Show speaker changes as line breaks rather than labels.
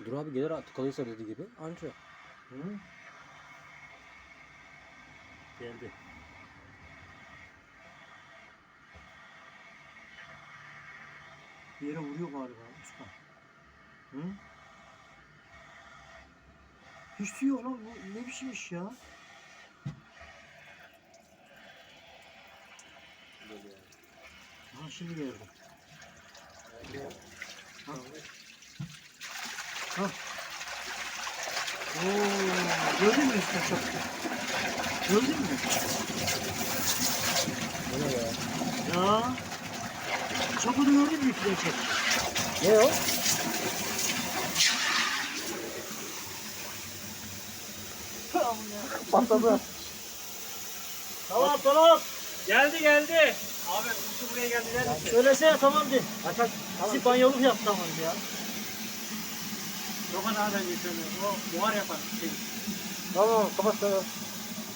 Dur abi gelir tıkalıysa dediği gibi anca.
Hı? Geldi. Bir yere vuruyor galiba Osman. Hı? Hiç su yok lan, bu ne biçim iş ya? Ha şimdi geldi. Ha. Ha. Oo, gördün mü işte çok? Gördün mü?
Bu ne ya?
Ya. Çapını gördün mü iple çek?
Ne o? Patladı.
Tamam tamam.
Geldi. Abi kuşu buraya geldi der misin?
Söylesene tamam de.
Aç aç.
Bizi banyoluk yap tamam ya.
Çok nereden geçiyor? O buhar yapar.
Tamam kapat kapat.